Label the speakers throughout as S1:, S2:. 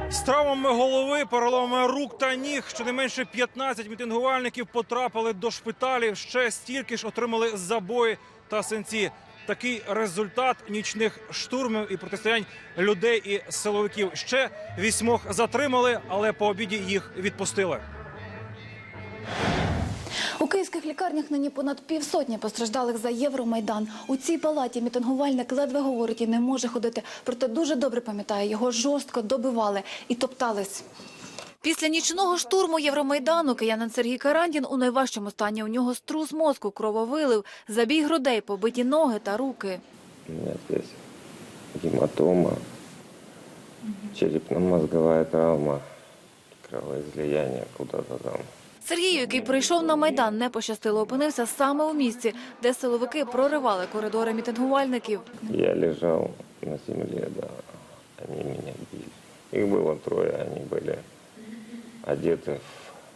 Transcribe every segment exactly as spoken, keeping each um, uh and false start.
S1: З травмами голови, переломами рук та ніг щонайменше п'ятнадцять мітингувальників потрапили до шпиталів. Ще стільки ж отримали забої та синці. Такий результат нічних штурмів і протистоянь людей і силовиків. Ще вісьмох затримали, але по обіді їх відпустили.
S2: У київських лікарнях нині понад півсотні постраждалих за Євромайдан. У цій палаті мітингувальник ледве говорить і не може ходити. Проте дуже добре пам'ятає, його жорстко добивали і топтались. Після нічного штурму Євромайдану киянин Сергій Карандін у найважчому стані. У нього струс мозку, крововилив, забій грудей, побиті ноги та руки.
S3: У мене тут гематома, черепно-мозгова травма, кровоізлияння куди-то там.
S2: Сергію, який прийшов на Майдан, не пощастило, опинився саме у місці, де силовики проривали коридори мітингувальників.
S3: Я лежав на землі, да, вони мене били. Їх було троє, вони були одеті в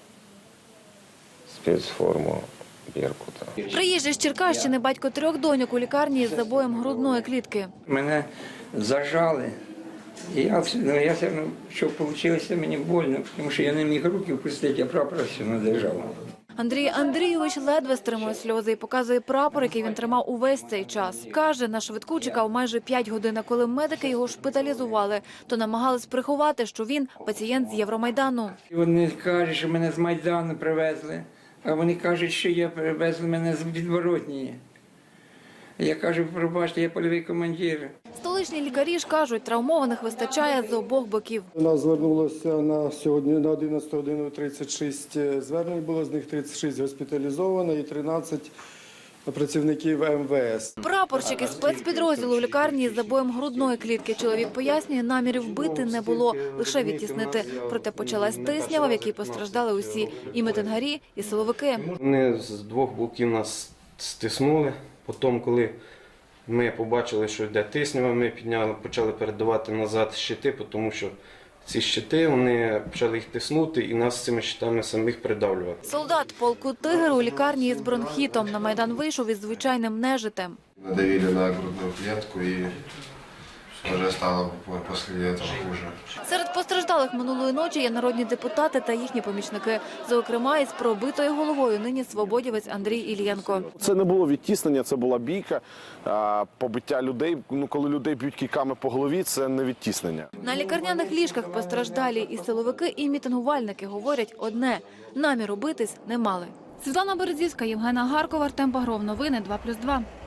S3: спецформу Беркута.
S2: Приїжджий з Черкащини батько трьох доньок у лікарні з забоєм грудної клітки.
S4: Мене зажали. І я, ну, я все одно, що вийшло, мені больно, тому що я не міг руки впустити, а прапор все не держав.
S2: Андрій Андрійович ледве стримує сльози і показує прапор, який він тримав увесь цей час. Каже, на швидку чекав майже п'ять годин, а коли медики його шпиталізували, то намагались приховати, що він пацієнт з Євромайдану.
S4: Вони кажуть, що мене з Майдану привезли, а вони кажуть, що я привезли мене з Відворотнії. Я кажу, пробачте, я польовий командир.
S2: Столичні лікарі ж кажуть, травмованих вистачає з обох боків.
S5: У нас звернулося на сьогодні на одинадцяту годину тридцять шість звернень було, з них тридцять шість госпіталізовано і тринадцять працівників ем ве ес.
S2: Прапорщик із спецпідрозділу в лікарні з забоєм грудної клітки. Чоловік пояснює, намірів бити не було, лише відтіснити. Проте почалась тиснява, в якій постраждали усі – і мітингарі, і силовики.
S6: Вони з двох боків нас стиснули. Потім, коли ми побачили, що йде тиснява, ми підняли, почали передавати назад щити, тому що ці щити, вони почали їх тиснути і нас цими щитами самих придавлювати.
S2: Солдат полку «Тигр» у лікарні із бронхітом. На Майдан вийшов із звичайним нежитем.
S7: Надавили на грудную клетку и уже стало после этого хуже.
S2: Серед постраждалих минулої ночі є народні депутати та їхні помічники. Зокрема, із пробитою головою нині свободівець Андрій Іллєнко.
S8: Це не було відтіснення, це була бійка, побиття людей. Ну, коли людей б'ють кійками по голові, це не відтіснення.
S2: На лікарняних ліжках постраждалі і силовики, і мітингувальники говорять одне – наміру битись не мали. Світлана Березівська, Євгена Гаркова, Артем Багров. Новини два плюс два.